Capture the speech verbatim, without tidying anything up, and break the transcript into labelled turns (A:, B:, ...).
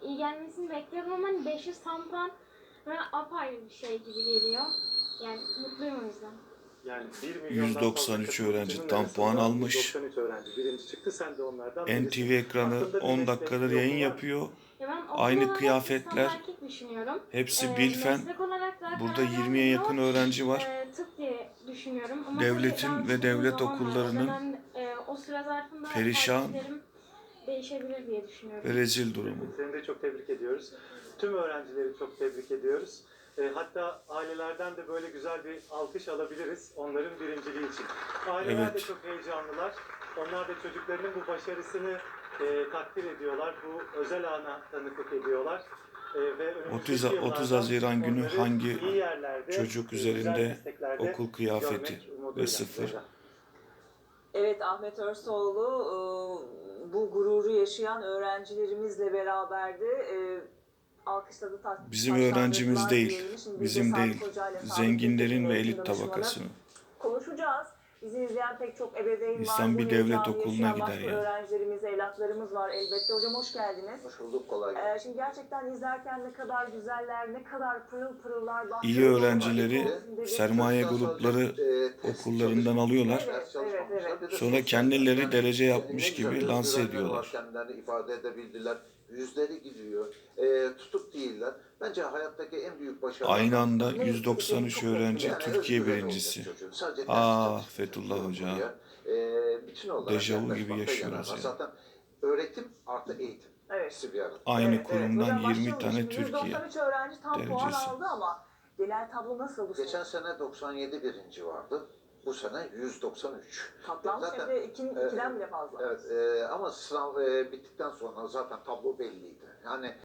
A: iyi gelmesini bekliyorum ama hani beş yüz tam puan bana apayrı bir şey gibi geliyor. Yani mutluyum o yüzden.
B: Yani
C: yüz doksan üç öğrenci tam puan almış.
B: yüz doksan üç öğrenci birinci çıktı. Sen de onlardan
C: N T V ekranı on dakikadır yayın yapıyor.
A: Ya ben okul
C: Aynı
A: olarak
C: kıyafetler.
A: İstanbul Erkek düşünüyorum.
C: Hepsi
A: Ee,
C: Bilfen.
A: meslek olarak daha
C: Burada
A: karar
C: yirmiye yakın
A: vermedim ama,
C: öğrenci var.
A: E, tıp diye düşünüyorum. Ama
C: Devletin
A: tabii daha
C: ve
A: uzun
C: devlet
A: zaman var. O
C: okullarının
A: dönem, e, o süre zarfında
C: perişan
A: tercihlerim değişebilir diye düşünüyorum.
C: ve rezil durumu.
B: Seni de çok tebrik ediyoruz. Tüm öğrencileri çok tebrik ediyoruz. E, hatta ailelerden de böyle güzel bir alkış alabiliriz onların birinciliği için. Aileler
C: Evet.
B: de çok heyecanlılar. Onlar da çocuklarının bu başarısını e, takdir ediyorlar. Bu özel ana tanıklık ediyorlar. E, ve
C: otuz,
B: önümüzdeki
C: otuz
B: yıllardan
C: Haziran günü
B: onları
C: hangi
B: iyi yerlerde,
C: çocuk
B: güzel
C: üzerinde
B: mesleklerde
C: okul kıyafeti
B: görmek umuduyla.
C: ve sıfır?
D: Evet, Ahmet Örsoğlu e, bu gururu yaşayan öğrencilerimizle beraberdi. E, Alkışladı, ta-
C: Bizim
D: taşlandırdılar
C: öğrencimiz değil,
D: diyelim. Şimdi
C: bizim
D: biz de
C: değil,
D: Sağlık Hoca ile Sağlık
C: zenginlerin
D: Kültürü
C: ve
D: Eğitim
C: elit
D: Danışmanı
C: tabakasının.
D: konuşacağız. Bizi izleyen pek çok ebeveyn
C: İnsan
D: var.
C: bir
D: bu
C: devlet
D: heyecanı
C: okuluna
D: yaşayan
C: gider
D: başka
C: ya.
D: öğrencilerimiz, evlatlarımız var elbette. Hocam hoş geldiniz.
E: Hoş bulduk, kolay gelsin.
D: Ee, şimdi gerçekten izlerken ne kadar güzeller, ne kadar pırıl pırıllar.
C: İyi öğrencileri sermaye grupları
E: Ee,
C: okullarından alıyorlar.
D: Evet, evet, evet.
E: Bir de
C: Sonra
E: sosyal
C: kendileri
E: yani
C: derece
E: ne
C: yapmış
E: güzel
C: gibi lanse
E: özgüvenleri var,
C: ediyorlar.
E: kendilerini ifade edebildiler. Yüzleri gidiyor. Ee, tutuk değiller. Bence hayattaki en büyük başarı.
C: Aynı anda yüz doksan üç öğrenci Türkiye birincisi. Ah Fethullah Hoca.
E: Ee, bütün olarak
C: Dejavu gibi
E: yaklaşmakta
C: yaşıyoruz
E: yarar var.
C: ya.
E: Zaten öğretim artı eğitim.
D: Evet.
E: İkisi bir arada.
C: Aynı
D: Evet,
C: kurumdan
D: evet. Hocam
C: yirmi
D: başlayalım.
C: tane
D: Şimdi
C: Türkiye
D: yüz doksan üç öğrenci tam puan
C: derecesi.
D: aldı ama genel tablo nasıl bu sene?
E: Geçen sene doksan yedi birinci vardı. Bu sene yüz doksan üç.
D: Katlanmış
E: Zaten-
D: hem de iki,
E: Evet.
D: ikiden bile fazla.
E: Evet, e, ama sınav e, bittikten sonra zaten tablo belliydi. Yani